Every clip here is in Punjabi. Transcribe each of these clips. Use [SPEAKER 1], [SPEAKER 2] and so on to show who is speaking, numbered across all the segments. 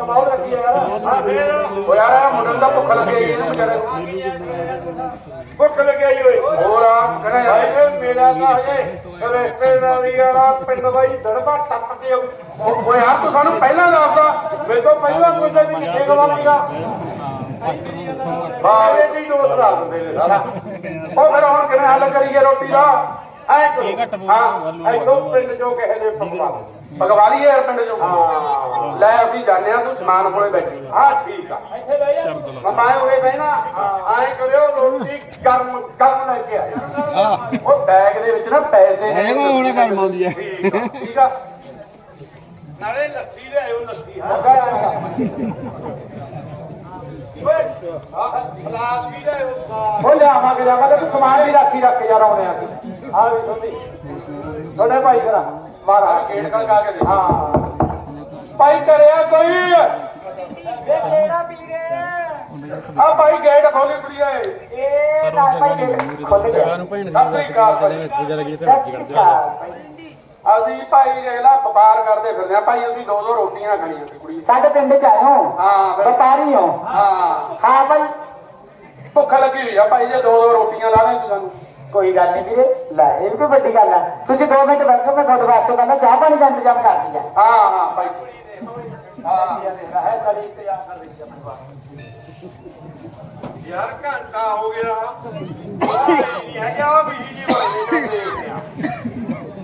[SPEAKER 1] ਕਮਾਉ ਲੱਗੀ ਯਾਰ
[SPEAKER 2] ਹਾਂ ਫੇਰ
[SPEAKER 1] ਉਹ ਯਾਰ ਮੁੰਡੇ ਨੂੰ ਤਾਂ ਭੁੱਖ ਲੱਗੀ ਆਈ ਇਹਨੂੰ ਵਿਚਾਰੇ
[SPEAKER 2] ਭੁੱਖ ਲੱਗਿਆ ਓਏ
[SPEAKER 1] ਹੋਰ ਆ ਕਹਿੰਦਾ
[SPEAKER 2] ਭਾਈ
[SPEAKER 1] ਯਾਰ
[SPEAKER 2] ਮੇਰਾ ਤਾਂ ਹਜੇ ਰਿਸ਼ਤੇਦਾਰੀ ਵਾਲਾ ਪਿੰਡ ਬਾਈ ਦੜਬਾ ਟੱਪ ਕੇ
[SPEAKER 1] ਉਹ ਯਾਰ ਤੂੰ ਸਾਨੂੰ ਪਹਿਲਾਂ ਦੱਸਦਾ
[SPEAKER 2] ਮੇਰੇ ਤੋਂ ਪਹਿਲਾਂ ਕੋਈ ਵੀ ਕਿੱਥੇ ਗਵਾਂਗਾ ਬਾਰੇ ਦੀ ਡੋਸ ਲਾ ਦਿੰਦੇ ਨੇ ਸਾਰਾ
[SPEAKER 1] ਉਹ ਫਿਰ ਹੁਣ ਕਿਵੇਂ ਹੱਲ ਕਰੀਏ ਰੋਟੀ ਦਾ
[SPEAKER 2] ਐ ਕਰੋ ਹਾਂ ਐਥੋਂ ਪਿੰਡ ਚੋਂ ਕਿਸੇ ਨੇ ਪਕਵਾ
[SPEAKER 1] ਪਕਵਾ ਲਈਏ ਯਾਰ ਪਿੰਡ ਚੋਂ
[SPEAKER 2] ਹਾਂ
[SPEAKER 1] ਲੈ ਅਸੀਂ ਜਾਂਦੇ ਆ ਤੂੰ ਸਮਾਨ ਕੋਲੇ ਬੈਠੀ
[SPEAKER 2] ਹਾਂ ਠੀਕ ਆ
[SPEAKER 1] ਇੱਥੇ ਬਹਿ ਜਾ
[SPEAKER 2] ਮੈਂ ਉਰੇ ਬਹਿਣਾ ਐ ਕਰਿਓ ਰੋਟੀ ਗਰਮ ਲੈ ਕੇ ਆਇਓ
[SPEAKER 1] ਉਹ ਬੈਗ ਦੇ ਵਿੱਚ ਨਾ ਪੈਸੇ ਨੇ
[SPEAKER 3] ਹੈਗਾ ਹੁਣ ਗਰਮ ਆਉਂਦੀ ਹੈ
[SPEAKER 1] ਠੀਕ ਆ
[SPEAKER 2] ਨਾਲੇ ਲੱਸੀ ਲਿਆਇਓ ਲੱਸੀ ਹਾਂ
[SPEAKER 1] ਲੱਗਾ ਯਾਰ
[SPEAKER 2] ਓਏ ਸਲਾਦ ਵੀ ਲਿਆਇਓ
[SPEAKER 1] ਉਹ ਲਿਆਵਾਂਗੇ ਤੂੰ ਸਮਾਨ ਵੀ ਰੱਖ ਯਾਰ ਆਉਣੇ ਆ ਵੀ ਸੁਣਦੀ ਤੁਹਾਡੇ ਭਾਈ ਕਰਾ ਮਾਰਾ ਗੇਟ ਖੜਕਾ ਕੇ ਦੇ ਹਾਂ ਭਾਈ ਕਰਿਆ ਕੋਈ
[SPEAKER 4] ਵੇ ਕਿਹੜਾ ਵੀਰੇ
[SPEAKER 1] ਆ ਭਾਈ ਗੇਟ ਖੋਲੀ ਕੁੜੀਏ
[SPEAKER 4] ਇਹ ਨਾ ਭਾਈ ਗੇਟ ਖੁੱਲ ਗਿਆ
[SPEAKER 1] ਸਤਿ ਸ੍ਰੀ ਅਕਾਲ ਭਾਈ
[SPEAKER 4] ਸਤਿ ਸ਼੍ਰੀ ਅਕਾਲ ਭਾਈ।
[SPEAKER 1] ਅਸੀਂ ਭਾਈ ਦੇਖ ਲਾ ਵਪਾਰ ਕਰਦੇ ਫਿਰਦੇ ਆ ਭਾਈ ਅਸੀਂ 2 ਰੋਟੀਆਂ ਖਾਣੀਆਂ ਸੀ ਕੁੜੀ
[SPEAKER 4] ਸਾਡੇ ਪਿੰਡ ਚ ਆਏ ਹੋ
[SPEAKER 1] ਹਾਂ ਫਿਰ-
[SPEAKER 4] ਵਪਾਰੀ ਹੋ
[SPEAKER 1] ਹਾਂ
[SPEAKER 4] ਹਾਂ ਭਾਈ
[SPEAKER 1] ਭੁੱਖ ਲੱਗੀ ਹੋਈ ਆ ਭਾਈ ਜੇ 2 ਰੋਟੀਆਂ ਲਾ ਦੇ ਤੂੰ ਸਾਨੂੰ
[SPEAKER 4] ਕੋਈ ਗੱਲ ਨਹੀਂ ਵੀਰੇ ਲੈ ਇਹ ਵੀ ਕੋਈ ਵੱਡੀ ਗੱਲ ਆ ਤੁਸੀਂ 2 ਮਿੰਟ ਬੈਠੋ ਮੈਂ ਤੁਹਾਡੇ ਵਾਸਤੇ ਪਹਿਲਾਂ ਚਾਹ ਪਾਣੀ ਦਾ ਇੰਤਜ਼ਾਮ ਕਰਦੀ ਆ
[SPEAKER 1] ਹਾਂ ਭਾਈ ਹਾਂ
[SPEAKER 2] ਯਾਰ ਘੰਟਾ ਹੋ ਗਿਆ ਨਹੀਂ ਹੈਗਾ ਬਿਜਲੀ ਜੀ ਵਾਲੇ ਦੇਖਦੇ ਆ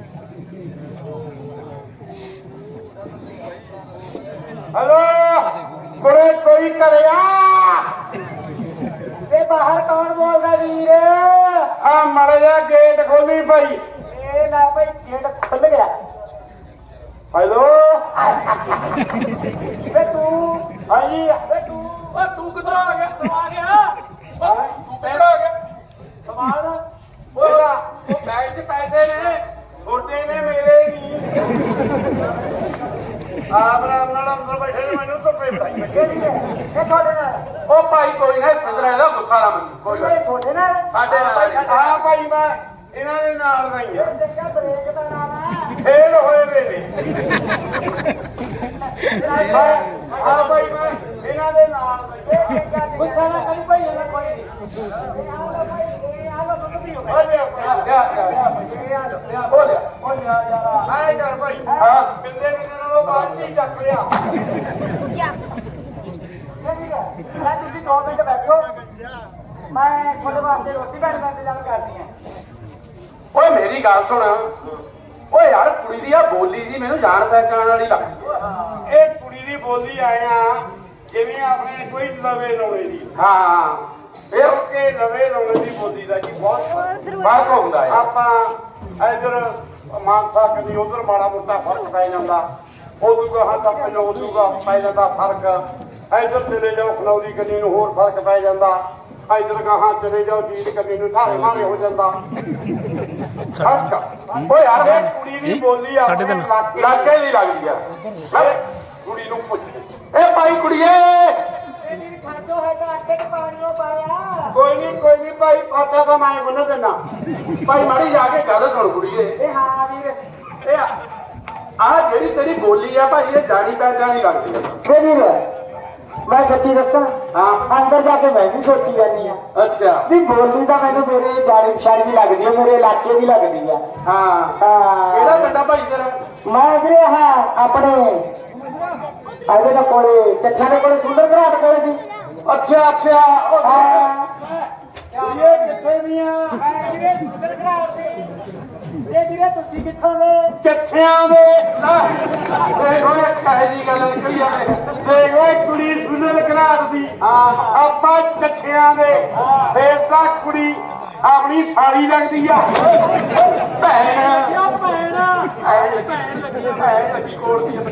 [SPEAKER 2] ਹਲੋ ਕੋਲੇ ਕੋਈ ਕਰਿਆ
[SPEAKER 4] ਵੇ ਬਾਹਰ ਕੌਣ ਬੋਲਦਾ ਵੀਰ
[SPEAKER 2] ਆ ਮੜ ਜਾ ਗੇਟ ਖੋਲੀ ਭਾਈ
[SPEAKER 4] ਇਹ ਲੈ ਭਾਈ ਗੇਟ ਖੁੱਲ ਗਿਆ
[SPEAKER 2] ਹੈਲੋ
[SPEAKER 4] ਵੇ ਤੂੰ
[SPEAKER 2] ਹਾਂਜੀ
[SPEAKER 4] ਵੇ ਤੂੰ
[SPEAKER 1] ਤੂੰ ਕਿੱਧਰ ਆ ਗਿਆ ਤੂੰ ਆ ਗਿਆ ਤੂੰ ਕਿੱਧਰ ਆ ਗਿਆ
[SPEAKER 4] ਸਮਾਨ
[SPEAKER 1] ਉਹ ਬੈਗ 'ਚ ਪੈਸੇ ਨੇ
[SPEAKER 2] ਛੋਟੇ ਨੇ ਮੇਰੇ ਨਹੀਂ ਆਪ ਰਾਮ ਨਾਲ ਅੰਦਰ ਬੈਠੇ ਨੇ ਮੈਨੂੰ ਧੁੱਪੇ ਪਾਈ
[SPEAKER 4] ਇਹ ਤੁਹਾਡੇ ਨਾਲ
[SPEAKER 1] ਉਹ ਭਾਈ ਕੋਈ ਨਾ ਸੰਦਰਾ ਇਹਦਾ ਗੁੱਸਾ ਨਾ ਮੰਨੀ ਕੋਈ ਗੱਲ
[SPEAKER 4] ਇਹ
[SPEAKER 1] ਨੀ।
[SPEAKER 4] ਤੁਹਾਡੇ ਨਾਲ
[SPEAKER 1] ਸਾਡੇ ਨਾਲ
[SPEAKER 2] ਆ ਭਾਈ ਮੈਂ ਇਹਨਾਂ ਦੇ ਨਾਲ ਦਾ ਹੀ ਆ
[SPEAKER 4] ਦੇਖਿਆ ਬ੍ਰੇਕ ਦਾ ਨਾਮ ਹੈ
[SPEAKER 2] ਫੇਲ ਹੋਏ ਵੇ ਨੇ ਆ ਭਾਈ ਮੈਂ ਇਹਨਾਂ ਦੇ ਨਾਲ ਦਾ ਹੀ ਆ
[SPEAKER 4] ਗੁੱਸਾ ਨਾ ਕਰੀ ਭਾਈ ਇਹਨਾਂ ਕੋਈ ਨਹੀਂ ਆ ਲੋ ਦੁੱਧ ਪੀਓ
[SPEAKER 2] ਆ ਲਿਆ ਆਏ ਕਰ ਭਾਈ
[SPEAKER 1] ਹਾਂ।
[SPEAKER 2] ਬਿੰਦੇ ਨਾਲੋਂ ਬਾਅਦ ਹੀ ਚੱਕ ਲਿਆ
[SPEAKER 4] ਮੈਂ ਤੁਸੀਂ 2 ਮਿੰਟ ਬੈਠੋ ਮੈਂ ਤੁਹਾਡੇ ਵਾਸਤੇ ਰੋਟੀ ਬਣਾਉਣ ਦਾ ਇੰਤਜ਼ਾਮ ਕਰਦੀ ਹਾਂ
[SPEAKER 1] ਓਏ ਮੇਰੀ ਗੱਲ ਸੁਣ ਓਏ ਯਾਰ ਕੁੜੀ ਦੀ ਆ ਬੋਲੀ ਜੀ ਮੈਨੂੰ ਜਾਣ ਪਹਿਚਾਣ ਵਾਲੀ ਲੱਗਦੀ
[SPEAKER 2] ਇਹ ਕੁੜੀ ਦੀ ਬੋਲੀ ਆਇਆ ਜਿਵੇਂ ਆਪਣੇ ਕੋਈ ਲਵੇ ਲਾਉਣੇ ਦੀ
[SPEAKER 1] ਹਾਂ ਫਿਰ
[SPEAKER 2] ਕਿਉਂਕਿ ਲਵੇ ਲਾਉਣੇ ਦੀ ਬੋਲੀ ਦਾ ਜੀ ਬਹੁਤ
[SPEAKER 1] ਫਰਕ ਹੁੰਦਾ ਹੈ
[SPEAKER 2] ਆਪਾਂ ਇਧਰ ਮਾਨਸਾ ਕਦੀ ਉਧਰ ਮਾੜਾ ਮੋਟਾ ਫਰਕ ਪੈ ਜਾਂਦਾ ਉਦੋਂ ਕਹਾਂ ਤਾਂ ਪਹਿਲਾਂ ਉਦੋਂ ਪੈ ਜਾਂਦਾ ਫਰਕ ਇਧਰ ਚਲੇ ਜਾਓ ਖਨੌਰੀ ਕੰਨੀ ਨੂੰ ਹੋਰ ਫਰਕ ਪੈ ਜਾਂਦਾ ਇਧਰ ਕਹਾਂ ਚਲੇ ਜਾਓ ਜੀਟ ਕੰਨੀ ਨੂੰ ਧਾਰੇ ਮਾਰੇ ਹੋ ਜਾਂਦਾ ਫਰਕ
[SPEAKER 1] ਓਏ ਯਾਰ
[SPEAKER 2] ਇਹ ਕੁੜੀ ਦੀ ਬੋਲੀ ਆਪਣੇ ਇਲਾਕੇ
[SPEAKER 1] ਲਾਗੇ ਦੀ ਲੱਗਦੀ ਆ
[SPEAKER 2] ਮੈਂ ਕੁੜੀ ਨੂੰ ਪੁੱਛ
[SPEAKER 1] ਇਹ ਭਾਈ ਕੁੜੀਏ
[SPEAKER 4] ਮੇਰੀ ਖਾਦੋ ਹੈ ਤਾਂ ਆਟੇ ਚ ਪਾਣੀ ਉਹ ਪਾਇਆ
[SPEAKER 2] ਕੋਈ ਨਹੀਂ ਭਾਈ ਪਾਤਾ ਤਾਂ ਮੈਂ ਬੰਨ ਦੇਣਾ
[SPEAKER 1] ਭਾਈ ਮਾੜੀ ਜਾ ਕੇ ਗੱਲ ਸੁਣ ਕੁੜੀਏ
[SPEAKER 4] ਇਹ ਹਾਂ ਵੀਰ
[SPEAKER 1] ਇਹ ਆ ਜਿਹੜੀ ਤੇਰੀ ਬੋਲੀ ਆ ਭਾਈ ਇਹ ਜਾਣੀ ਪਹਿਚਾਣੀ ਲੱਗਦੀ ਆ
[SPEAKER 4] ਵੇ ਵੀਰ ਮੈਂ ਸੱਚੀ ਦੱਸਾਂ
[SPEAKER 1] ਹਾਂ
[SPEAKER 4] ਅੰਦਰ ਜਾ ਕੇ ਮੈਂ ਵੀ ਸੋਚੀ ਜਾਂਦੀ ਆ
[SPEAKER 1] ਅੱਛਾ
[SPEAKER 4] ਵੀ ਬੋਲੀ ਤਾਂ ਮੈਨੂੰ ਮੇਰੇ ਜਾਣੀ ਪਛਾਣੀ ਦੀ ਲੱਗਦੀ ਹੈ ਮੇਰੇ ਇਲਾਕੇ ਦੀ ਲੱਗਦੀ ਆ
[SPEAKER 1] ਹਾਂ ਕਿਹੜਾ
[SPEAKER 4] ਹਾਂ
[SPEAKER 1] ਪਿੰਡਾ ਭਾਈ ਤੇਰਾ
[SPEAKER 4] ਮੈਂ ਵੀਰੇ ਹਾਂ ਆਪਣੇ ਇਹਦੇ ਨਾਲ ਕੋਲੇ ਚੱਠਾ ਦੇ ਕੋਲੇ ਸੁੰਦਰ ਘਰਾਟ ਕੋਲੇ ਦੀ
[SPEAKER 1] ਅੱਛਾ ਉਹ
[SPEAKER 4] ਹਾਂ
[SPEAKER 2] ਕੁੜੀਏ ਕਿੱਥੇ ਦੀਆਂ
[SPEAKER 4] ਮੈਂ ਵੀਰੇ ਸੁੰਦਰ ਘਰਾਟ ਦੇ ਇਹ ਵੀਰੇ ਤੁਸੀਂ ਕਿੱਥੋਂ ਦੇ
[SPEAKER 2] ਕਿੱਥਿਆਂ ਦੇ
[SPEAKER 1] ਦੇਖ ਓਏ ਕਾਹੇ ਦੀ ਗੱਲ ਨਿਕਲੀ ਜਾਵੇ
[SPEAKER 2] ਦੇਖ ਓਏ ਕੁੜੀ ਸੁਨਲ ਘਰਾਟ ਦੀ
[SPEAKER 1] ਹਾਂ
[SPEAKER 2] ਆਪਾਂ ਕਿੱਥਿਆਂ ਦੇ ਫੇਰ ਤਾਂ ਕੁੜੀ ਆਪਣੀ ਸਾਲੀ ਲੱਗਦੀ ਆ
[SPEAKER 1] ਭੈਣ
[SPEAKER 4] ਕਿਉਂ ਭੈਣ
[SPEAKER 1] ਭੈਣ ਲੱਗੀ ਕੋਲ ਦੀ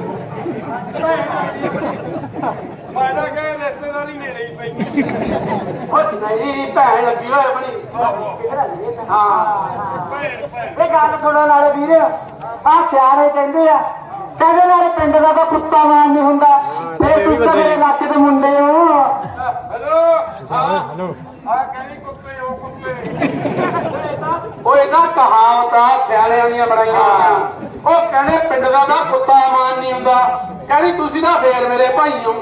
[SPEAKER 2] ਮੈਂ ਤਾਂ ਕਹੇ ਰਿਸ਼ਤੇਦਾਰੀ ਨੇੜੇ ਹੀ ਪਈ
[SPEAKER 1] ਉਹ ਨਹੀਂ ਭੈਣ ਲੱਗੀ ਹੋਏ ਬਣੀ ਹਾਂ
[SPEAKER 4] ਇਹ ਗੱਲ ਸੁਣਨ ਵਾਲੇ ਵੀਰ ਆ ਸਿਆਣੇ ਕਹਿੰਦੇ ਆ ਕਹਿੰਦੇ ਨਾਲੇ ਪਿੰਡ ਦਾ ਤਾਂ ਕੁੱਤਾ ਮਾਨ ਨਹੀਂ ਹੁੰਦਾ ਇਹ ਤੁਸੀਂ ਤਾਂ ਮੇਰੇ ਇਲਾਕੇ ਦੇ ਮੁੰਡੇ ਹੋ
[SPEAKER 2] ਹੈਲੋ ਹੈਲੋ ਆ ਕਹਿੰਦੀ ਕੁੱਤੇ ਹੋ ਕੁੱਤੇ
[SPEAKER 1] ਉਹ ਇਹਨਾਂ ਕਹਾਵਤਾਂ ਸਿਆਣਿਆਂ ਦੀਆਂ ਬਣਾਈਆਂ ਹੋਈਆਂ ਉਹ ਕਹਿੰਦੇ ਪਿੰਡ ਦਾ ਤਾਂ ਕੁੱਤਾ ਮਾਨ ਨਹੀਂ ਹੁੰਦਾ ਕਹਿੰਦੀ ਤੁਸੀਂ ਤਾਂ ਫੇਰ ਮੇਰੇ ਭਾਈ ਹੋ।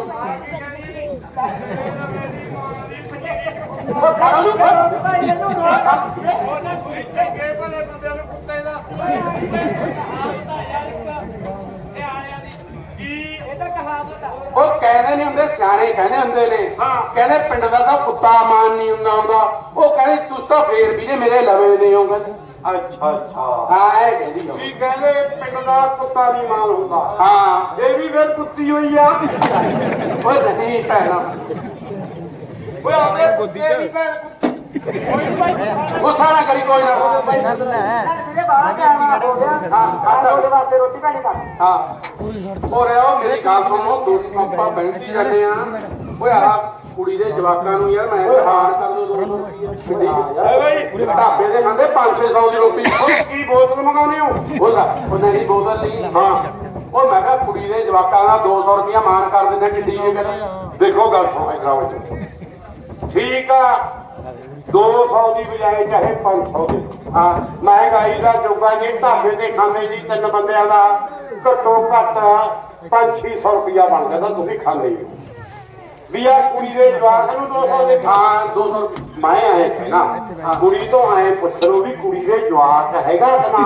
[SPEAKER 1] ਉਹ ਕਹਿੰਦੇ ਨਹੀਂ ਹੁੰਦੇ, ਸਿਆਣੇ ਕਹਿੰਦੇ ਹੁੰਦੇ ਨੇ, ਕਹਿੰਦੇ ਪਿੰਡ ਦਾ ਤਾਂ ਕੁੱਤਾ ਮਾਨ ਨਹੀਂ ਹੁੰਦਾ ਹੁੰਦਾ। ਉਹ ਕਹਿੰਦੇ ਤੁਸੀਂ ਤਾਂ ਫੇਰ ਵੀ ਨੇ ਮੇਰੇ ਲਵੇ ਦੇ ਹੋਗੇ।
[SPEAKER 2] ਅੱਛਾ ਅੱਛਾ
[SPEAKER 1] ਹਾਂ ਇਹ ਕਹਿੰਦੀ ਆ।
[SPEAKER 2] ਕੀ ਕਹਿੰਦੇ ਪਿੰਡ ਦਾ ਕੁੱਤਾ ਨਹੀਂ ਮਾਨ ਹੁੰਦਾ।
[SPEAKER 1] ਹਾਂ
[SPEAKER 2] ਇਹ ਵੀ ਫਿਰ ਕੁੱਤੀ ਹੋਈ ਆ।
[SPEAKER 1] ਉਹ ਨਹੀਂ ਭੈਣਾ
[SPEAKER 2] ਓਏ ਆਪੇ ਕੁੱਤੇ ਦੀ ਭੈਣ
[SPEAKER 1] ਗੁੱਸਾ ਨਾ ਕਰੀ ਕੋਈ ਨਾ।
[SPEAKER 4] ਵੀਰੇ ਬਾਹਰ ਜਾਣਾ ਹੋ ਗਿਆ। ਹਾਂ ਤੁਹਾਡੇ ਵਾਸਤੇ ਰੋਟੀ ਪਾਣੀ ਕਰ।
[SPEAKER 1] ਹਾਂ ਹੋ ਰਿਹਾ ਉਹ ਮੇਰੀ ਗੱਲ ਸੁਣੋ, ਦੋ ਆਪਾਂ ਬੈਂਕੀ ਜਾਂਦੇ ਆ। ਓਏ ਆਹ ਕੁੜੀ ਦੇ ਜਵਾਕਾਂ ਨੂੰ ਯਾਰ ਮੈਂ ਹਾਰ ਕਰ ਦੋ 200 ਰੁਪਏ ਪੂਰੇ ਢਾਬੇ ਦੇ ਖਾਂਦੇ 500-600 ਦੀ ਰੋਟੀ।
[SPEAKER 2] ਕੀ ਬੋਤਲ ਮੰਗਾਉਂਦੇ ਹੋ?
[SPEAKER 1] ਉਹ ਨਹੀਂ ਬੋਤਲ ਲਈ। ਹਾਂ ਉਹ ਮੈਂ ਕਿਹਾ ਕੁੜੀ ਦੇ ਜਵਾਕਾਂ ਦਾ 200 ਰੁਪਇਆ ਮਾਨ ਕਰ ਦਿੰਦੇ ਕਿੱਡੀ ਇਹ ਗੱਲ।
[SPEAKER 2] ਦੇਖੋ ਗੱਲ ਸੁਣੋ ਇਕਰਾਓ ਠੀਕ ਆ 200 ਦੀ ਬਜਾਏ ਚਾਹੇ 500 ਦੀ।
[SPEAKER 1] ਹਾਂ
[SPEAKER 2] ਮਹਿੰਗਾਈ ਦਾ ਜੋਗਾ ਜੇ ਢਾਬੇ ਤੇ ਖਾਂਦੇ ਜੀ 3 ਬੰਦਿਆਂ ਦਾ ਘੱਟੋ ਘੱਟ 500-600 ਰੁਪਇਆ ਬਣ ਜਾਂਦਾ। ਤੁਸੀਂ ਖਾਂਦੇ ਹੀ ਵੀ ਆ ਕੁੜੀ ਦੇ ਜਵਾਕ ਨੂੰ 200 ਦੇ।
[SPEAKER 1] ਹਾਂ 200 ਰੁਪਏ।
[SPEAKER 2] ਮੈਂ ਆਏ ਕਹਿਣਾ ਕੁੜੀ ਤੋਂ ਆਏ ਪੁੱਛੋ ਵੀ ਕੁੜੀ ਦੇ ਜਵਾਕ ਹੈਗਾ ਨਾ।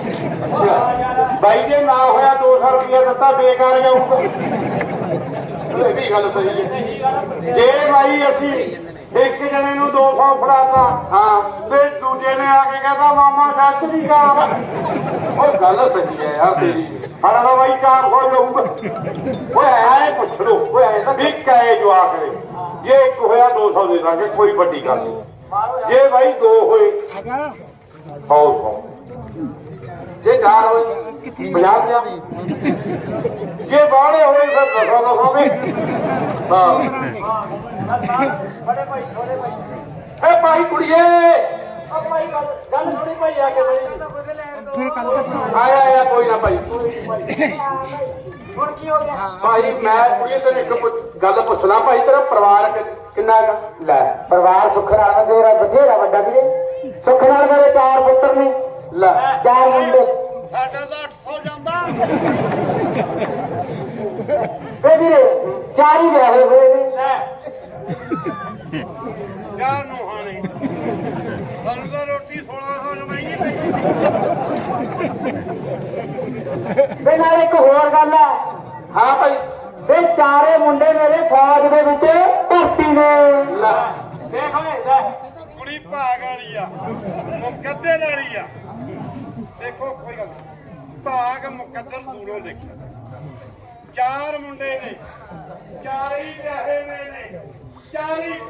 [SPEAKER 2] ਬਾਈ ਜੇ ਨਾ ਹੋਇਆ 200 ਰੁਪਇਆ ਦਿੱਤਾ ਬੇਕਾਰ ਜਾਊਗਾ।
[SPEAKER 1] ਇਹ ਵੀ ਗੱਲ ਸਹੀ ਹੈ।
[SPEAKER 2] ਜੇ ਬਾਈ ਅਸੀਂ ਇੱਕ ਜਣੇ ਨੂੰ 200 ਫੜਾਤਾ
[SPEAKER 1] ਹਾਂ
[SPEAKER 2] ਤੇ ਦੂਜੇ ਨੇ ਆ ਕੇ ਕਹਿੰਦਾ ਮਾਮਾ ਸੱਚ ਨਹੀਂ ਗਾ।
[SPEAKER 1] ਉਹ ਗੱਲ ਸਹੀ ਹੈ ਯਾਰ ਤੇਰੀ।
[SPEAKER 2] ਸਾਡਾ ਤਾਂ ਬਾਈ 400 ਲਊਗਾ। ਓਏ ਐ ਪੁੱਛ ਲੋ
[SPEAKER 1] ਓਏ ਐ ਤਾਂ
[SPEAKER 2] ਵੀ ਕਹੇ ਜਵਾਕ ਨੇ ਜੇ ਇੱਕ ਹੋਇਆ 200 ਦੇ ਦਾਂਗੇ ਕੋਈ ਵੱਡੀ ਗੱਲ ਨਹੀਂ। ਜੇ ਬਾਈ 2 ਹੋਏ 100
[SPEAKER 1] ਜੇ 4 ਹੋਏ
[SPEAKER 2] 50 ਜੇ ਬਾਹਲੇ ਹੋਏ ਫਿਰ 200 ਦੇ।
[SPEAKER 4] ਬੜੇ ਭਾਈ ਛੋੜੇ ਭਾਈ।
[SPEAKER 1] ਏ ਭਾਈ ਕੁੜੀਏ
[SPEAKER 4] ਉਹ ਭਾਈ ਗੱਲ ਥੋੜੀ ਭਾਈ ਆ ਕੇ
[SPEAKER 1] ਆਇਆ ਕੋਈ ਨਾ ਭਾਈ।
[SPEAKER 4] ਹੁਣ ਕੀ ਹੋ ਗਿਆ?
[SPEAKER 1] ਭਾਈ ਮੈਂ ਕੁੜੀਏ ਤੈਨੂੰ ਇੱਕ ਗੱਲ ਪੁੱਛਣਾ ਭਾਈ, ਤੇਰਾ ਪਰਿਵਾਰ ਕਿੰਨਾ ਹੈਗਾ?
[SPEAKER 4] ਲੈ ਪਰਿਵਾਰ ਸੁੱਖ ਨਾਲ ਤੇਰਾ ਬਥੇਰਾ ਵੱਡਾ ਵੀਰੇ। ਸੁੱਖ ਨਾਲ ਮੇਰੇ 4 ਪੁੱਤਰ ਨੇ,
[SPEAKER 1] ਲੈ
[SPEAKER 4] 4 ਮੁੰਡੇ।
[SPEAKER 2] ਸਾਡਾ ਤਾਂ 800 ਜਾਂਦਾ।
[SPEAKER 4] ਵੇ ਵੀਰੇ 4 ਹੀ ਵਿਆਹੇ ਹੋਏ ਨੇ।
[SPEAKER 2] ਯਾਰ ਨੂੰਹਾਂ ਨੇ ਸਾਨੂੰ ਤਾਂ ਰੋਟੀ 1600 ਜਮਾਈ ਪਈ।
[SPEAKER 4] ਵੇ ਨਾਲ ਇੱਕ ਹੋਰ ਗੱਲ ਹੈ।
[SPEAKER 1] ਹਾਂ ਭਾਈ
[SPEAKER 4] ਵੇ 4 ਮੁੰਡੇ ਮੇਰੇ ਫੌਜ ਦੇ ਵਿੱਚ ਭਰਤੀ ਨੇ।
[SPEAKER 1] ਲੈ
[SPEAKER 4] ਦੇਖ ਓਏ ਲੈ
[SPEAKER 2] ਕੁੜੀ ਭਾਗ ਵਾਲੀ ਆ ਮੁਕੱਦਰ ਵਾਲੀ ਆ। ਦੇਖੋ ਕੋਈ ਗੱਲ ਭਾਗ ਮੁਕੱਦਰ ਦੂਰੋਂ ਦੇਖਿਆ। 4 ਮੁੰਡੇ ਨੇ 4 ਹੀ ਵਿਆਹੇ ਨੇ 4 ਹੀ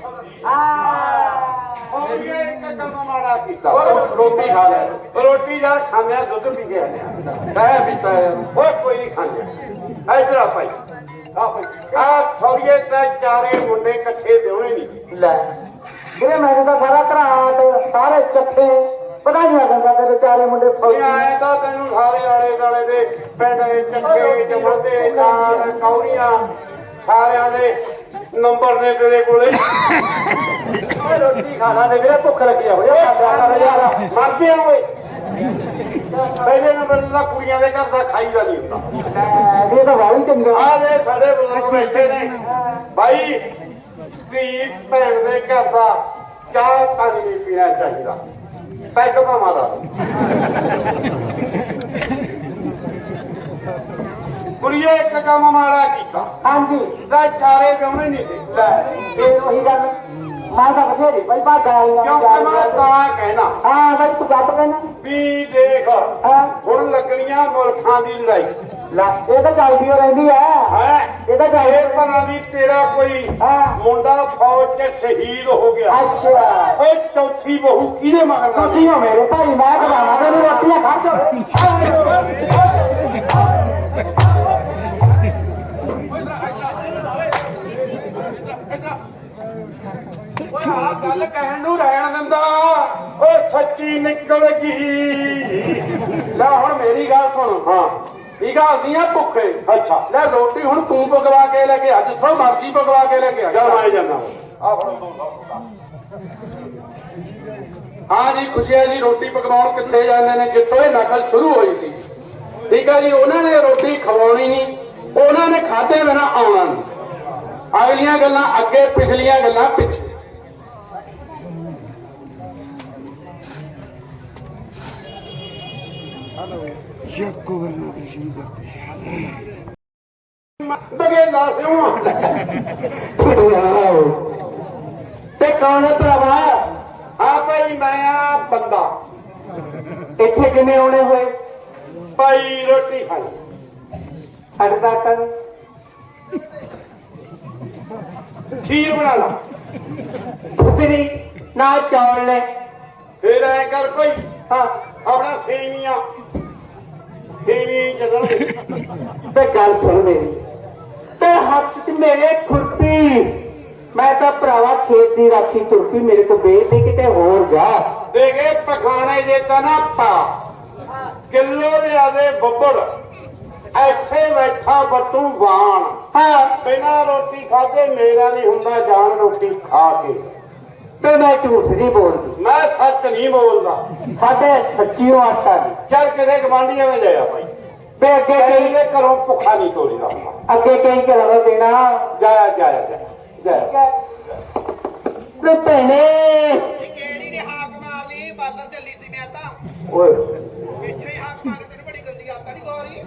[SPEAKER 2] ਹੋਰ ਇੱਕ ਕੰਮ ਮਾੜਾ ਕੀਤਾ।
[SPEAKER 1] ਉਹ ਰੋਟੀ ਖਾ ਲੈ।
[SPEAKER 2] ਰੋਟੀ ਜਾਂ ਖਾਂਦੇ ਆ ਦੁੱਧ ਪੀ ਕੇ ਆਉਂਦੇ ਆ।
[SPEAKER 1] ਕਹਿ ਪੀਤਾ ਯਾਰ।
[SPEAKER 2] ਓਏ ਕੋਈ ਨਹੀਂ ਖਾਂਦੇ। ਇਧਰ ਆ ਭਾਈ ਆ ਥੋੜੀਏ ਤਾਂ 4 ਮੁੰਡੇ ਇਕੱਠੇ ਵਿਆਹਣੇ ਨਹੀਂ।
[SPEAKER 4] ਲੈ ਵੀਰੇ ਮੈਨੂੰ ਤਾਂ ਸਾਰਾ ਘਰਾਟ ਸਾਰੇ ਚੱਠੇ ਵਧਾਈਆਂ ਦਿੰਦਾ ਤੇਰੇ 4 ਮੁੰਡੇ ਫੌਜੀ।
[SPEAKER 2] ਆਏ ਤਾਂ ਤੈਨੂੰ ਸਾਰੇ ਆਲੇ ਦਾਲੇ ਦੇ ਪਿੰਡ ਦੇ ਚੱਕੇ ਜਮਦੇ ਜਾਨ ਕੌਰੀਆਂ ਸਾਰਿਆਂ ਦੇ ਨੰਬਰ ਨੇ ਤੇਰੇ ਕੋਲੇ।
[SPEAKER 4] ਰੋਟੀ ਖਾਣਾ ਤੇ ਵੀਰੇ ਭੁੱਖ ਲੱਗੀ ਆ ਹੋਇਆ ਯਾਰ।
[SPEAKER 2] ਮਰਦੇ ਆ ਓਏ ਪਹਿਲੇ ਨੰਬਰ ਦਾ ਕੁੜੀਆਂ ਦੇ ਘਰ ਦਾ ਖਾਈਦਾ ਨਹੀਂ ਹੁੰਦਾ।
[SPEAKER 4] ਇਹ ਤਾਂ ਵਾਲੀ ਚੰਗਾ।
[SPEAKER 2] ਆ ਦੇ ਸਾਡੇ ਬਜ਼ੁਰਗ ਬੈਠੇ ਨੇ ਭਾਈ ਧੀ ਭੈਣ ਦੇ ਘਰ ਦਾ ਚਾਹ ਪਾਣੀ ਨਹੀਂ ਪੀਣਾ ਚਾਹੀਦਾ। ਪੈਗ ਭਾਵਾਂ ਦਾ ਕੁੜੀਏ ਇੱਕ ਕੰਮ ਮਾੜਾ ਕੀਤਾ।
[SPEAKER 4] ਹਾਂਜੀ
[SPEAKER 2] ਦਾ 4 ਵਿਆਹਣੇ ਨਹੀਂ ਦੇ।
[SPEAKER 4] ਲੈ ਇਹ ਉਹੀ ਗੱਲ ਮੈਂ ਤਾਂ ਬਥੇਰੀ ਬਈ ਭਾਗਾ ਆਈਆਂ।
[SPEAKER 2] ਕਿਉਂਕਿ ਮੈਂ ਤਾਂ ਕਹਿਣਾ
[SPEAKER 4] ਹਾਂ ਬਈ ਤੂੰ ਗੱਪ ਕਹਿਣਾ।
[SPEAKER 2] ਵੀ ਦੇਖ
[SPEAKER 4] ਹਾਂ
[SPEAKER 2] ਹੁਣ ਲੱਗਣੀਆਂ ਮੁਲਕਾਂ ਦੀ ਲੜਾਈ
[SPEAKER 4] ਲੈ ਇਹ ਤਾਂ ਚੱਲਦੀ ਓ ਰਹਿੰਦੀ ਆ।
[SPEAKER 2] ਹੈ।
[SPEAKER 4] ਇਹ ਤਾਂ
[SPEAKER 2] ਇਹ
[SPEAKER 4] ਚੱਲਦੀ।
[SPEAKER 2] ਭਲਾ ਵੀ ਤੇਰਾ ਕੋਈ
[SPEAKER 4] ਹਾਂ
[SPEAKER 2] ਮੁੰਡਾ ਫੌਜ 'ਚ ਸ਼ਹੀਦ ਹੋ ਗਿਆ।
[SPEAKER 4] ਅੱਛਾ
[SPEAKER 2] ਓਏ ਚੌਥੀ ਬਹੂ ਕਿਹਦੇ ਮਗਰ ਲੱਗ
[SPEAKER 4] ਤੁਸੀਂ ਹੋ ਮੇਰੇ ਭਾਈ। ਮੈਂ ਖਵਾਵਾਂ ਤੈਨੂੰ ਰੋਟੀਆਂ ਖਾ ਚੋ।
[SPEAKER 1] ਓਏ ਆਹ ਗੱਲ ਕਹਿਣ ਨੂੰ ਰਹਿਣ ਦਿੰਦਾ।
[SPEAKER 2] ਓਏ ਸੱਚੀ ਨਿਕਲ ਗਈ।
[SPEAKER 1] ਲੈ ਹੁਣ ਮੇਰੀ ਗੱਲ ਸੁਣ।
[SPEAKER 2] ਹਾਂ
[SPEAKER 1] ਠੀਕ ਆ ਅਸੀਂ ਆ ਭੁੱਖੇ।
[SPEAKER 2] ਅੱਛਾ
[SPEAKER 1] ਲੈ ਰੋਟੀ ਹੁਣ ਤੂੰ ਪਕਵਾ ਕੇ ਲੈ ਕੇ ਆ, ਜਿੱਥੋਂ ਮਰਜ਼ੀ ਪਕਵਾ ਕੇ ਲੈ ਕੇ ਆ।
[SPEAKER 2] ਚੱਲ ਆਈ ਜਾਂਦਾ ਆ ਫੜੋ 200।
[SPEAKER 1] ਹਾਂ ਜੀ ਖੁਸ਼ੀਆ ਜੀ ਰੋਟੀ ਪਕਵਾਉਣ ਕਿੱਥੇ ਜਾਂਦੇ ਨੇ? ਜਿੱਥੋਂ ਇਹ ਨਕਲ ਸ਼ੁਰੂ ਹੋਈ ਸੀ। ਠੀਕ ਆ ਜੀ ਉਹਨਾਂ ਨੇ ਰੋਟੀ ਖਵਾਉਣੀ ਨਹੀਂ, ਉਹਨਾਂ ਨੇ ਖਾਧੇ ਬਿਨਾ ਆਉਣਾ ਨਹੀਂ। ਅਗਲੀਆਂ ਗੱਲਾਂ ਅੱਗੇ, ਪਿਛਲੀਆਂ ਗੱਲਾਂ ਪਿੱਛੇ।
[SPEAKER 3] यक्को करना भी शुरू करते
[SPEAKER 2] ਬਗੇਲਾ ਸਿਉਂ
[SPEAKER 4] ਤੇ ਕੌਣ ਹੈ ਭਰਾਵਾ?
[SPEAKER 2] ਆ ਭਾਈ ਮੈਂ ਆ ਬੰਦਾ
[SPEAKER 4] ਇੱਥੇ ਕਿਵੇਂ ਆਉਣੇ ਹੋਏ?
[SPEAKER 2] ਭਾਈ ਰੋਟੀ ਖਾਈ
[SPEAKER 4] ਹਟਦਾ ਕਰ
[SPEAKER 2] ਖੀਰ ਬਣਾ ਲਾ
[SPEAKER 4] ਉਤਰੀ ਨਾ ਚੌਲ ਲੈ।
[SPEAKER 2] ਫੇਰ ਐ ਕਰ ਭਾਈ
[SPEAKER 4] ਹਾਂ
[SPEAKER 2] ਆਪਣਾ ਸੇਵੀਆਂ ਜਦੋਂ
[SPEAKER 4] ਤੇ ਗੱਲ ਸੁਣ ਮੇਰੀ, ਤੇ ਹੱਥ 'ਚ ਮੇਰੇ ਖੁਰਪੀ। ਮੈਂ ਤਾਂ ਭਰਾਵਾ ਖੇਤ ਦੀ ਰਾਖੀ ਤੁਰਪੀ, ਮੇਰੇ ਕੋਲ ਵੇਚ ਲਈ ਕਿਤੇ ਹੋਰ ਜਾ।
[SPEAKER 2] ਦੇ ਗਏ ਪਖਾਣੇ ਜੇ ਤਾਂ ਨਾ ਪਾ ਕਿਲੋ ਲਿਆਦੇ ਬੱਬੜ ਇੱਥੇ ਬੈਠਾ ਬੱਟੂ ਬਾਣ।
[SPEAKER 4] ਹਾਂ
[SPEAKER 2] ਬਿਨਾਂ ਰੋਟੀ ਖਾਦੇ ਮੇਰਾ ਨਹੀਂ ਹੁੰਦਾ ਜਾਨ ਰੋਟੀ ਖਾ ਕੇ।
[SPEAKER 4] ਤੇ ਮੈਂ ਝੂਠ ਨਹੀਂ ਬੋਲਦੀ,
[SPEAKER 2] ਮੈਂ ਸੱਚ ਨਹੀਂ ਬੋਲਦਾ।
[SPEAKER 4] ਸਾਡੇ ਸੱਚੀਓ ਆਟਾ ਨਹੀਂ।
[SPEAKER 2] ਚੱਲ ਕਿਸੇ ਗਵਾਂਢੀਆਂ ਵਿੱਚ ਜਾਇਆ ਭਾਈ,
[SPEAKER 4] ਤੇ ਅੱਗੇ
[SPEAKER 2] ਕਈ
[SPEAKER 4] ਕਈ
[SPEAKER 2] ਦੇ ਘਰੋਂ ਭੁੱਖਾ ਨਹੀਂ ਤੋਰੀਦਾ ਹੁੰਦਾ।
[SPEAKER 4] ਅੱਗੇ ਕਈ ਘਰਾਂ ਨੂੰ ਦੇਣਾ।
[SPEAKER 2] ਜਾਇਆ ਜਾਇਆ ਜਾਇਆ ਜਾਇਆ।
[SPEAKER 4] ਤੇ ਭੈਣੇ
[SPEAKER 5] ਕਿਹੜੀ ਨੇ ਹਾਕ ਮਾਰ ਲਈ? ਬਾਲਰ ਚੱਲੀ ਸੀ ਮੈਂ ਤਾਂ
[SPEAKER 4] ਓਏ
[SPEAKER 5] ਪਿੱਛੇ ਹੀ ਹਾਕ ਮਾਰ ਤੈਨੂੰ ਬੜੀ ਗੰਦੀ ਆਦਤ ਨਹੀਂ ਗੋਰੀ।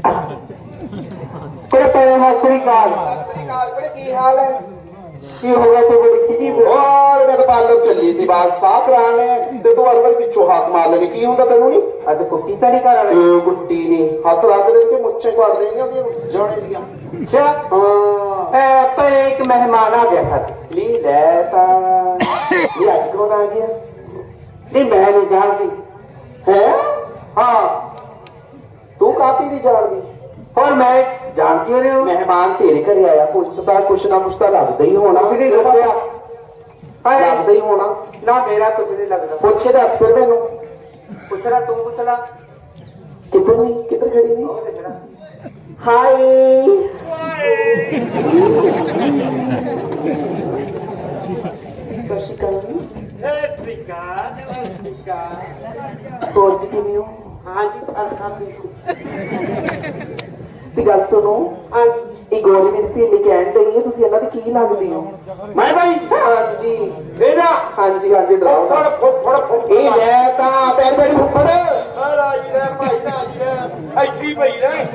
[SPEAKER 4] ਤੇ ਭੈਣੇ ਸਤਿ ਕਾਲ।
[SPEAKER 5] ਸਤਿ ਸ੍ਰੀ ਅਕਾਲ ਬੜੇ ਕੀ ਹਾਲ ਹੈ?
[SPEAKER 4] ਕੀ ਹੋ ਗਿਆ ਤੂੰ ਬੜੀ ਖਿਜੀ
[SPEAKER 3] और मैं तो पार्लर चली थी बात साफ कराने ते तू असल पिछो हाथ मार लेनी की हुंदा तेनू नहीं
[SPEAKER 4] ਅੱਜ ਕੁੱਤੀ ਤਾਂ ਨਹੀਂ ਕਰ ਰਹੇ?
[SPEAKER 3] गुट्टी नहीं हाथ रख दे के मुच्छे काट देंगे ओदी जाने दियां
[SPEAKER 4] ਅੱਛਾ
[SPEAKER 3] हां
[SPEAKER 4] पर एक मेहमान आ गया था।
[SPEAKER 3] ली ले ता ये आज कौन आ गया
[SPEAKER 4] नहीं मैं नहीं जानती।
[SPEAKER 3] है
[SPEAKER 4] हाँ
[SPEAKER 3] तू काफी नहीं जानती
[SPEAKER 4] और मैं जानती नहीं हूँ।
[SPEAKER 3] मेहमान तेरे घर आया कुछ ना कुछ तो लगता ही होना
[SPEAKER 4] कुछ नहीं दसिया।
[SPEAKER 3] लगता ही होना
[SPEAKER 4] ना मेरा कुछ नहीं लगता।
[SPEAKER 3] पूछ के दस फिर मैनू
[SPEAKER 4] पूछना तू पूछना।
[SPEAKER 3] किधर नहीं किधर खड़ी नहीं
[SPEAKER 4] और देखना।
[SPEAKER 3] हाय सत श्री अकाल ਹੋਰ ਜੀ ਕਿਵੇਂ ਹੋ
[SPEAKER 4] ਹਾਂਜੀ ਅਲਹਮਦੁਲਿਲਾ।
[SPEAKER 3] ਦੀ ਗੱਲ ਸੁਣੋ ਇਹ ਗੋਰੀ ਮੇਰੀ ਸਹੇਲੀ ਕਹਿਣ ਡਈ ਹੈ ਤੁਸੀਂ ਇਹਨਾਂ ਦੀ ਕੀ ਲੱਗਦੀ ਹੋ
[SPEAKER 2] ਮੈਂ ਭਾਈ
[SPEAKER 3] ਹਾਂਜੀ
[SPEAKER 2] ਇਹਦਾ
[SPEAKER 3] ਹਾਂਜੀ ਹਾਂਜੀ
[SPEAKER 2] ਫੁੱਫੜ
[SPEAKER 3] ਡਰਾਉਣਾ
[SPEAKER 2] ਫੁੱਫੜ ਫੁੱਫੜ
[SPEAKER 3] ਇਹ ਲੈ ਤਾਂ ਪੈਰ ਪੈਰ ਫੁੱਫੜ
[SPEAKER 2] ਰਾਜੀ ਰਹਿ ਭਾਈ ਰਾਜੀ ਰਹਿ ਇੱਥੇ ਹੀ ਪਈ ਰਹਿ।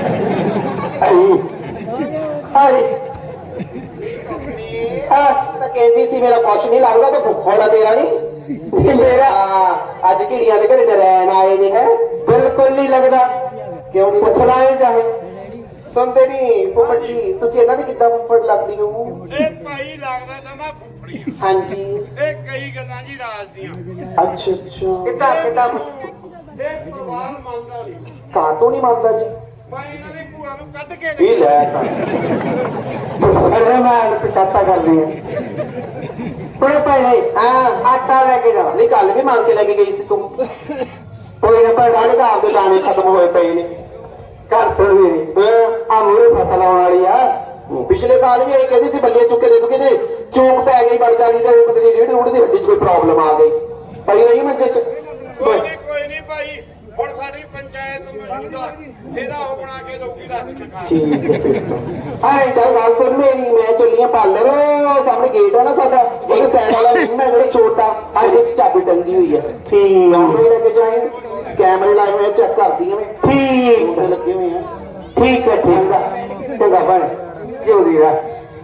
[SPEAKER 3] ਤਾਂ ਕਹਿੰਦੀ ਸੀ ਮੇਰਾ ਕੁਛ ਨਹੀਂ ਲੱਗਦਾ ਤੇ ਫੁੱਫੜ ਆ ਤੇਰਾ ਨਹੀਂ ਮੇਰਾ ਅੱਜ ਕਿੜੀਆਂ ਦੇ ਘਰੇ ਤੇ ਰਹਿਣ ਆਏ ਨੇ ਹੈ
[SPEAKER 4] ਬਿਲਕੁਲ ਨਹੀਂ ਲੱਗਦਾ।
[SPEAKER 3] ਕਿਉਂ ਨਹੀਂ
[SPEAKER 4] ਪੁੱਛਣਾ ਹੀ ਚਾਹੇ।
[SPEAKER 3] ਸੁਣਦੇ ਨਹੀਂ ਫੁੱਫੜ ਜੀ ਤੁਸੀਂ ਇਹਨਾਂ ਦੀ ਕਿੱਦਾਂ ਫੁੱਫੜ ਲੱਗਦੀ ਹੋ
[SPEAKER 2] ਇਹ ਭਾਈ ਲੱਗਦਾ ਤਾਂ ਮੈਂ ਫੁੱਫੜੀ ਆ।
[SPEAKER 3] ਹਾਂਜੀ
[SPEAKER 2] ਇਹ ਕਈ ਗੱਲਾਂ ਜੀ ਰਾਜ ਦੀਆਂ।
[SPEAKER 3] ਅੱਛਾ ਅੱਛਾ
[SPEAKER 4] ਕਿੱਦਾਂ ਕਿੱਦਾਂ
[SPEAKER 2] ਇਹ ਪਰਿਵਾਰ ਮੰਨਦਾ ਨਹੀਂ।
[SPEAKER 3] ਕਾਹ ਤੋਂ ਨਹੀਂ ਮੰਨਦਾ ਜੀ
[SPEAKER 2] ਮੈਂ ਇਹਨਾਂ ਦੀ ਭੂਆ ਨੂੰ ਕੱਢ ਕੇ
[SPEAKER 3] ਇਹ ਲੈ ਤਾਂ
[SPEAKER 4] ਅਰੇ ਮੈਂ ਪਛਾਤਾ ਕਰ ਲਈ ਕੋਲੇ ਪਹਿਲੇ
[SPEAKER 3] ਹਾਂ
[SPEAKER 4] ਆਟਾ ਲੈ ਕੇ ਜਾ।
[SPEAKER 3] ਨਹੀਂ ਕੱਲ ਵੀ ਮੰਗ ਕੇ ਲੈ ਕੇ ਗਈ ਸੀ ਤੂੰ
[SPEAKER 4] ਕੋਈ ਨਾ ਪਰ
[SPEAKER 3] ਸਾਡੇ ਤਾਂ ਆਪਦੇ ਦਾਣੇ ਖਤਮ ਹੋਏ ਪਏ ਨੇ
[SPEAKER 4] ਘਰ ਸੁਣ ਮੇਰੀ
[SPEAKER 3] ਹਾਂ
[SPEAKER 4] ਆ ਮੂਰੇ ਫਸਲ ਆਉਣ ਵਾਲੀ ਆ।
[SPEAKER 3] ਪਿਛਲੇ ਸਾਲ ਵੀ ਇਹ ਕਹਿੰਦੀ ਸੀ ਬੱਲੇ ਚੁੱਕੇ ਦੇ ਦੂਗੇ ਤੇ ਚੂਕ ਪੈ ਗਈ ਬੜ ਜਾਣੀ ਤੇ ਪਤਾ ਨਹੀਂ ਰੀੜ ਰੂੜ ਦੀ ਹੱਡੀ 'ਚ ਕੋਈ ਪ੍ਰੋਬਲਮ ਆ ਗਈ ਪਈ ਰਹੀ ਮੰਜੇ 'ਚ
[SPEAKER 2] ਕੋਈ ਨਹੀਂ ਭਾਈ ਹੁਣ ਸਾਡੀ ਪੰਚਾਇਤ ਮੌਜੂਦਾ ਇਹਦਾ ਉਹ ਬਣਾ ਕੇ ਦਊਗੀ ਰਾਜ
[SPEAKER 3] ਠੀਕ ਹੈ ਫਿਰ ਹਾਂ ਚੱਲ ਗੱਲ ਸੁਣ ਮੇਰੀ ਮੈਂ ਚੱਲੀ ਆ ਪਾਰਲਰ ਸਾਹਮਣੇ ਗੇਟ ਆ ਨਾ ਸਾਡਾ ਉਹਦੇ ਸਾਈਡ ਵਾਲਾ ਰੂਮ ਹੈ ਜਿਹੜਾ ਛੋਟਾ ਉਹਦੇ 'ਚ ਚਾਬੀ ਟੰਗੀ ਹੋਈ ਹੈ
[SPEAKER 4] ਠੀਕ
[SPEAKER 3] ਕੈਮਰੇ ਲੈ ਕੇ ਜਾਏ ਕੈਮਰੇ ਲਾਏ ਹੋਏ ਚੈੱਕ ਕਰਦੀ ਆ ਮੈਂ
[SPEAKER 4] ਠੀਕ
[SPEAKER 3] ਤੇ ਲੱਗੇ ਹੋਏ ਆ
[SPEAKER 4] ਠੀਕ ਹੈ ਚੰਗਾ ਚੰਗਾ ਬਣ ਜਿਉਂਦੀ ਰਹਿ।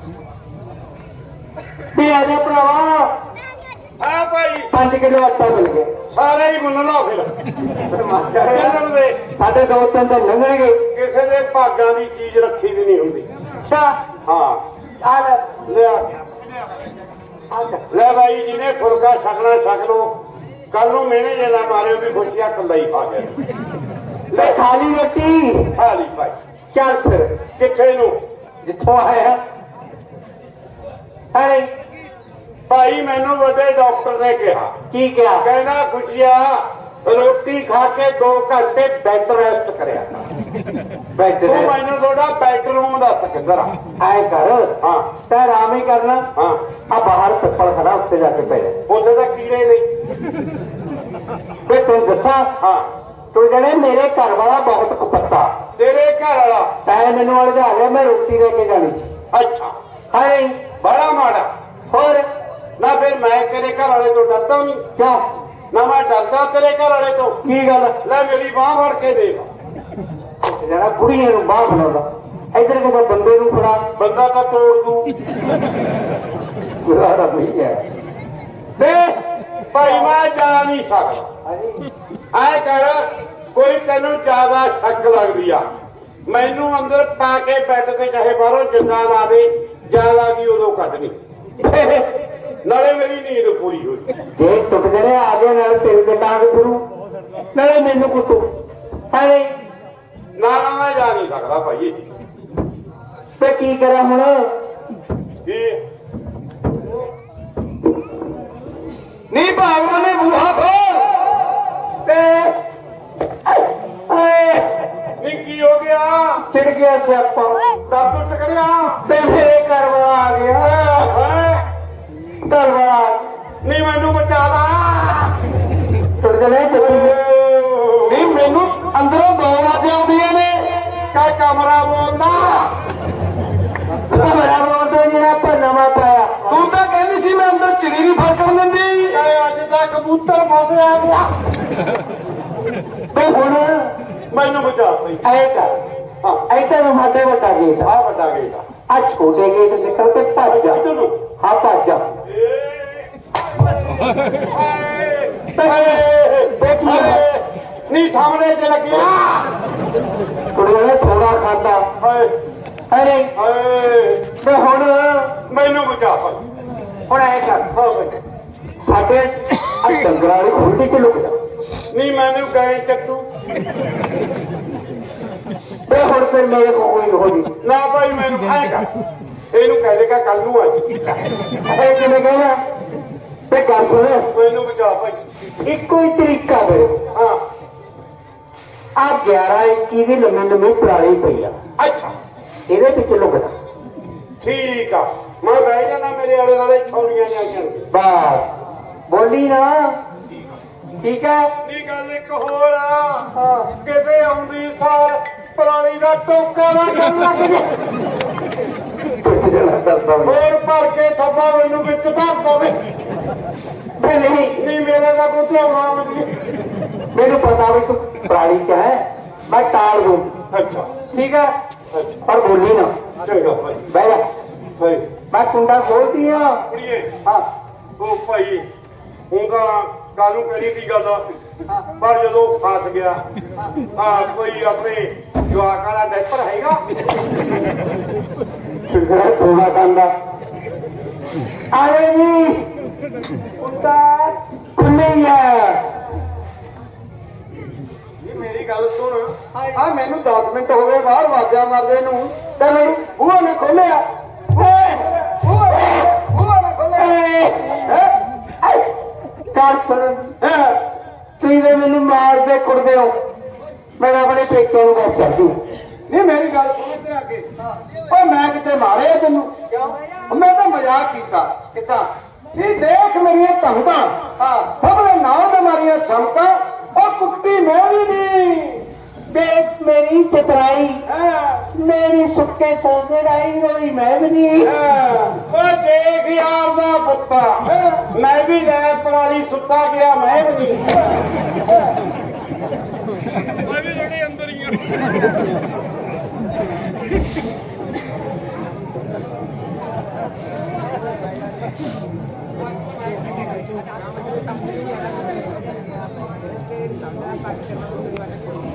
[SPEAKER 4] ਤੇ ਆ ਜਾ ਭਰਾਵਾ
[SPEAKER 2] ਹਾਂ ਭਾਈ
[SPEAKER 4] 5 ਕਿਲੋ ਆਟਾ ਮਿਲ ਗਿਆ।
[SPEAKER 2] ਸਾਰੇ ਹੀ ਮੁੰਨ ਲਓ ਫਿਰ ਚੱਲਣ ਦੇ।
[SPEAKER 4] ਸਾਡੇ ਦੋ ਤਿੰਨ ਤਾਂ ਲੰਘਣਗੇ।
[SPEAKER 2] ਕਿਸੇ ਦੇ ਭਾਗਾਂ ਦੀ ਚੀਜ਼ ਰੱਖੀ ਦੀ ਨਹੀਂ ਹੁੰਦੀ।
[SPEAKER 4] ਅੱਛਾ
[SPEAKER 2] ਹਾਂ
[SPEAKER 4] ਆ ਲੈ
[SPEAKER 2] ਲਿਆ
[SPEAKER 4] ਆ ਜਾ।
[SPEAKER 2] ਲੈ ਭਾਈ ਜਿਹਨੇ ਫੁਲਕਾ ਛਕਣਾ ਛਕ ਲੋ ਕੱਲ ਨੂੰ ਮੈਨੇ ਜੇ ਨਾ ਮਾਰਿਓ ਵੀ ਖੁਸ਼ੀਆਂ ਕੱਲਾ ਹੀ ਖਾ ਗਿਆ।
[SPEAKER 4] ਲੈ ਖਾਲੀ ਰੋਟੀ
[SPEAKER 2] ਖਾ ਲਈ ਭਾਈ।
[SPEAKER 4] ਚੱਲ ਫਿਰ
[SPEAKER 2] ਕਿੱਥੇ ਨੂੰ
[SPEAKER 4] ਜਿੱਥੋਂ ਆਇਆ ਅਰੇ
[SPEAKER 2] ਭਾਈ ਮੈਨੂੰ ਵੱਡੇ ਡਾਕਟਰ ਨੇ ਕਿਹਾ
[SPEAKER 4] ਕੀ ਕਿਹਾ?
[SPEAKER 2] ਕਹਿੰਦਾ ਖੁਸ਼ੀਆ ਰੋਟੀ ਖਾ ਕੇ 2 ਘੰਟੇ ਬੈੱਡ ਰੈਸਟ ਕਰਿਆ
[SPEAKER 4] ਬੈਠ
[SPEAKER 2] ਤੂੰ ਮੈਨੂੰ ਤੁਹਾਡਾ ਬੈਡਰੂਮ ਦੱਸ ਕਿੱਧਰ ਆ।
[SPEAKER 4] ਆਏ ਕਰ
[SPEAKER 2] ਹਾਂ
[SPEAKER 4] ਤੈ ਆਰਾਮ ਹੀ ਕਰਨਾ।
[SPEAKER 2] ਹਾਂ
[SPEAKER 4] ਆ ਬਾਹਰ ਪਿੱਪਲ ਖੜਾ ਉੱਤੇ ਜਾ ਕੇ ਪੈ ਜਾ।
[SPEAKER 2] ਉੱਥੇ ਤਾਂ ਕੀੜੇ ਨਹੀਂ।
[SPEAKER 4] ਤੇ ਤੂੰ ਦੱਸਾਂ
[SPEAKER 2] ਹਾਂ
[SPEAKER 4] ਤੂੰ ਜਣੇ ਮੇਰੇ ਘਰ ਵਾਲਾ ਬਹੁਤ ਕੁਪੱਤਾ
[SPEAKER 2] ਤੇਰੇ ਘਰ ਵਾਲਾ
[SPEAKER 4] ਤੈਂ ਮੈਨੂੰ ਅਲਝਾ ਲਿਆ, ਮੈਂ ਰੋਟੀ ਲੈ ਕੇ ਜਾਣੀ ਸੀ।
[SPEAKER 2] ਅੱਛਾ
[SPEAKER 4] ਹਾਏ
[SPEAKER 2] ਬੜਾ ਮਾੜਾ।
[SPEAKER 4] ਹੋਰ
[SPEAKER 2] ਨਾ ਫਿਰ ਮੈਂ ਤੇਰੇ ਘਰ ਵਾਲੇ ਤੋਂ ਡਰਦਾ ਨਹੀਂ।
[SPEAKER 4] ਕਿਉਂ?
[SPEAKER 2] ਨਾ ਮੈਂ ਡਰਦਾ ਤੇਰੇ ਘਰ ਵਾਲੇ ਤੋਂ।
[SPEAKER 4] ਕੀ ਗੱਲ?
[SPEAKER 2] ਲੈ ਮੇਰੀ ਬਾਹ ਫੜ ਕੇ ਦੇਖ।
[SPEAKER 4] ਜਿਹੜਾ ਕੁੜੀਆਂ ਨੂੰ ਬਾਹਰ ਬਣਾਉਂਦਾ, ਇੱਧਰ ਕਿਤੇ ਬੰਦੇ ਨੂੰ ਫੜਾ।
[SPEAKER 2] ਬੰਦਾ ਤਾਂ ਤੋੜ ਦੂ।
[SPEAKER 4] ਗੁਜ਼ਾਰਾ ਨਹੀਂ ਹੈ।
[SPEAKER 2] ਦੇ ਭਾਈ ਮੈਂ ਜਾ ਨਹੀਂ ਸਕਦਾ। ਐ ਕਰ, ਕੋਈ ਤੈਨੂੰ ਜ਼ਿਆਦਾ ਸ਼ੱਕ ਲੱਗਦੀ ਆ, ਮੈਨੂੰ ਅੰਦਰ ਪਾ ਕੇ ਬੈੱਡ ਤੇ ਚਾਹੇ ਬਾਹਰੋਂ ਜਿੰਦਾ ਲਾ ਦੇ, ਜ਼ਿਆਦਾ ਦੀ ਉਦੋਂ ਕੱਢਣੀ। ਨਾਲੇ ਮੇਰੀ ਨੀਂਦ ਪੂਰੀ ਹੋ ਜਾਏ।
[SPEAKER 4] ਜੇ ਟੁੱਟ ਜਣੇ ਆ ਗਏ ਨਾਲ ਤੇਰੇ ਤੇ ਟਾਂਗ ਫਿਰੂ, ਨਾਲੇ ਮੈਨੂੰ ਕੁੱਟੂ। ਹਾਏ
[SPEAKER 2] ਨਾ ਨਾ ਮੈਂ ਜਾ ਨਹੀਂ ਸਕਦਾ ਭਾਈ।
[SPEAKER 4] ਤੇ ਕੀ ਕਰਾਂ ਹੁਣ?
[SPEAKER 2] ਕੀ
[SPEAKER 4] ਨਹੀਂ ਭਾਗਵਾਨ ਨੇ ਬੂਹਾ ਖੋਲ ਤੇ ਹਾਏ
[SPEAKER 2] ਨਹੀਂ ਕੀ ਹੋ ਗਿਆ?
[SPEAKER 4] ਚਿੜ ਗਿਆ ਸਿਆਪਾ
[SPEAKER 2] ਦਰਦ ਟਕੜਿਆ
[SPEAKER 4] ਤੇ ਮੇਰੇ ਘਰ ਵਾਲਾ ਆ ਗਿਆ।
[SPEAKER 2] ਹੈ।
[SPEAKER 4] ਘਰ ਵਾਲਾ
[SPEAKER 2] ਨਹੀਂ ਮੈਨੂੰ ਬਚਾ ਲਾ।
[SPEAKER 4] ਟੁੱਟ ਜਣੇ ਨਹੀਂ, ਮੈਨੂੰ ਅੰਦਰੋਂ ਦੋ ਆਵਾਜ਼ਾਂ ਆਉਂਦੀਆਂ ਨੇ।
[SPEAKER 2] ਕਾ ਕਮਰਾ ਬੋਲਦਾ।
[SPEAKER 4] ਕਮਰਾ ਬੋਲਦਾ ਜਿਹੜਾ ਆਪਾਂ ਨਵਾਂ ਪਾਇਆ। ਤੂੰ ਤਾਂ ਕਹਿੰਦੀ ਸੀ ਮੈਂ ਅੰਦਰ ਚਿੜੀ ਨਹੀਂ ਫੜਕਣ ਦਿੰਦੀ।
[SPEAKER 2] ਕਹੇ ਅੱਜ ਤਾਂ ਕਬੂਤਰ ਫਸਿਆ ਗਿਆ।
[SPEAKER 4] ਤੇ ਹੁਣ
[SPEAKER 2] ਮੈਨੂੰ ਬਚਾ ਭਾਈ।
[SPEAKER 4] ਐ ਕਰ,
[SPEAKER 2] ਹਾਂ
[SPEAKER 4] ਇੱਧਰ ਨੂੰ ਸਾਡੇ ਵੱਡਾ ਗੇਟ ਆ,
[SPEAKER 2] ਆ ਵੱਡਾ ਗੇਟ ਆ।
[SPEAKER 4] ਆ ਛੋਟੇ ਗੇਟ ਨਿਕਲ ਕੇ ਭੱਜ ਜਾ।
[SPEAKER 2] ਇੱਧਰ ਨੂੰ।
[SPEAKER 4] ਹਾਂ ਭੱਜ ਜਾ।
[SPEAKER 2] ਨਹੀਂ ਸਾਹਮਣੇ ਚ ਲੱਗਿਆ।
[SPEAKER 4] ਕੁੜੀਆਂ ਨੇ ਥੋੜਾ ਖਾਦਾ।
[SPEAKER 2] ਹਾਏ
[SPEAKER 4] ਅਰੇ
[SPEAKER 2] ਹਾਏ
[SPEAKER 4] ਤੇ ਹੁਣ
[SPEAKER 2] ਮੈਨੂੰ ਬਚਾ ਭਾਈ।
[SPEAKER 4] ਹੁਣ ਐ ਕਰ, ਸਾਡੇ ਆ ਡੰਗਰਾਂ ਵਾਲੀ ਖੁੱਲਦੀ ਕਿ ਲੁਕ ਜਾ।
[SPEAKER 2] ਨਹੀਂ ਮੈਨੂੰ ਗਏ ਚੱਟੂ।
[SPEAKER 4] ਤੇ ਹੁਣ ਫਿਰ ਮੇਰੇ ਕੋਲ ਕੋਈ ਹੋ ਨਹੀਂ।
[SPEAKER 2] ਨਾ ਭਾਈ ਮੈਨੂੰ ਐ ਕਰ, ਇਹਨੂੰ ਕਹਿ ਦੇਗਾ ਕੱਲ ਨੂੰ ਆ ਜੀ।
[SPEAKER 4] ਇਹ ਕਿਵੇਂ ਕਹਿਣਾ? ਤੇ ਗੱਲ ਸੁਣ,
[SPEAKER 2] ਮੈਨੂੰ ਬਚਾ ਭਾਈ।
[SPEAKER 4] ਇੱਕੋ ਹੀ ਤਰੀਕਾ ਮੇਰੇ
[SPEAKER 2] ਹਾਂ
[SPEAKER 4] ਆ 11-21 ਦੀ ਲੰਮੀ ਪੁਰਾਣੀ ਪਈ ਆ,
[SPEAKER 2] ਅੱਛਾ
[SPEAKER 4] ਇਹਦੇ ਵਿੱਚ ਲੁਕ ਜਾ।
[SPEAKER 2] ਠੀਕ ਆ, ਮੈਂ ਬਹਿ ਜਾਣਾ, ਮੇਰੇ ਆਲੇ ਦੁਆਲੇ ਛੌਲੀਆਂ ਜਾਈਆਂ।
[SPEAKER 4] ਬਸ ਬੋਲੀ ਨਾ, ਠੀਕ ਹੈ?
[SPEAKER 2] ਇਹ ਗੱਲ ਇੱਕ ਹੋਰ ਆ,
[SPEAKER 4] ਹਾਂ
[SPEAKER 2] ਕਿਤੇ ਆਉਂਦੀ ਸਾਰ ਪਰਾਲੀ ਦਾ ਟੋਕਾ ਨਾ ਕਰਨ ਲੱਗ ਜੇ।
[SPEAKER 4] ਕੁਝ ਜਣਾ ਕਰਦਾ
[SPEAKER 2] ਹੋਰ ਭਰ ਕੇ ਥੱਬਾ ਮੈਨੂੰ ਵਿੱਚ ਧਰ ਪਵੇ।
[SPEAKER 4] ਮੈਂ ਨਹੀਂ,
[SPEAKER 2] ਨਹੀਂ ਮੇਰੇ ਦਾ ਕੋਈ ਧਿਆਉਣਾ ਨਹੀਂ।
[SPEAKER 4] ਮੈਨੂੰ ਪਤਾ ਵੀ ਤੂੰ ਪੁਰਾਣੀ ਚ ਹੈ, ਮੈਂ ਟਾਲ ਦੂੰ।
[SPEAKER 2] ਅੱਛਾ
[SPEAKER 4] ਠੀਕ ਹੈ,
[SPEAKER 2] ਅੱਛਾ
[SPEAKER 4] ਪਰ ਬੋਲੀ ਨਾ।
[SPEAKER 2] ਚੰਗਾ ਭਾਈ।
[SPEAKER 4] ਬਹਿ ਜਾ,
[SPEAKER 2] ਭਾਈ
[SPEAKER 4] ਮੈਂ ਕੁੰਡਾ ਖੋਲਦੀ ਆ।
[SPEAKER 2] ਕੁੜੀਏ
[SPEAKER 4] ਹਾਂ
[SPEAKER 2] ਉਹ ਭਾਈ ਹੁਣ ਤਾਂ ਕਾਹਨੂੰ ਕਹਿਣੀ ਦੀ ਗੱਲ ਆ, ਪਰ ਜਦੋਂ ਫਸ ਗਿਆ ਕੋਈ ਆਪਣੇ ਜਵਾਕ ਵਾਲਾ ਡਾਇਪਰ ਹੈਗਾ।
[SPEAKER 4] ਥੋੜਾ ਕੰਦਾ ਆਲੇ ਜੀ ਕੁੰਡਾ ਖੁੱਲੀ ਹੈ।
[SPEAKER 2] ਮੇਰੀ ਗੱਲ ਸੁਣ,
[SPEAKER 4] ਆ ਮੈਨੂੰ 10 ਮਿੰਟ ਹੋ ਗਏ ਬਾਹਰ ਆਵਾਜ਼ਾਂ ਮਾਰਦੇ ਨੂੰ, ਤੇ ਮੈਨੂੰ ਬੂਹਾ ਨੇ ਖੋਲਿਆ। ਓਏ ਬੂਹਾ ਨੇ ਖੋਲਿਆ। ਕਰ ਸੁਣ, ਤੁਸੀਂ ਤੇ ਮੈਨੂੰ ਮਾਰਦੇ ਕੁੱਟਦੇ ਹੋ, ਮੈਂ ਆਪਣੇ ਪੇਕਿਆਂ ਨੂੰ ਵਾਪਸ ਚੜਦੀ। ਨਹੀਂ ਮੇਰੀ ਗੱਲ ਸੁਣ ਇੱਧਰ ਆ ਕੇ। ਓਏ ਮੈਂ ਕਿਤੇ ਮਾਰਿਆ ਤੈਨੂੰ? ਕਿਉਂ? ਮੈਂ ਤਾਂ ਮਜ਼ਾਕ ਕੀਤਾ। ਕਿੱਦਾਂ? ਨਹੀਂ ਦੇਖ ਮੇਰੀਆਂ ਧਮਕਾਂ। ਹਾਂ ਸਭਲੇ ਨਾਂ ਦੇ ਮਾਰੀਆਂ ਚਮਕਾਂ। ਉਹ ਕੁੱਤੀ ਮੈਂ ਵੀ ਨਹੀਂ। ਦੇਖ ਮੇਰੀ ਚਤਰਾਈ, ਮੇਰੀ ਸੁੱਕੇ ਸੋਹਣਾਈ ਰੋਈ ਮੈਂ ਵੀ ਨਹੀਂ।
[SPEAKER 2] ਓਏ ਦੇਖ ਯਾਰ ਦਾ ਪੁੱਤਾ, ਮੈਂ ਵੀ ਲੈ ਪਰਾਲੀ ਸੁੱਤਾ ਗਿਆ, ਮੈਂ ਵੀ ਨਹੀਂ। ਮੈਂ ਵੀ ਜਿਹੜੇ ਅੰਦਰ ਹੀ ਆ।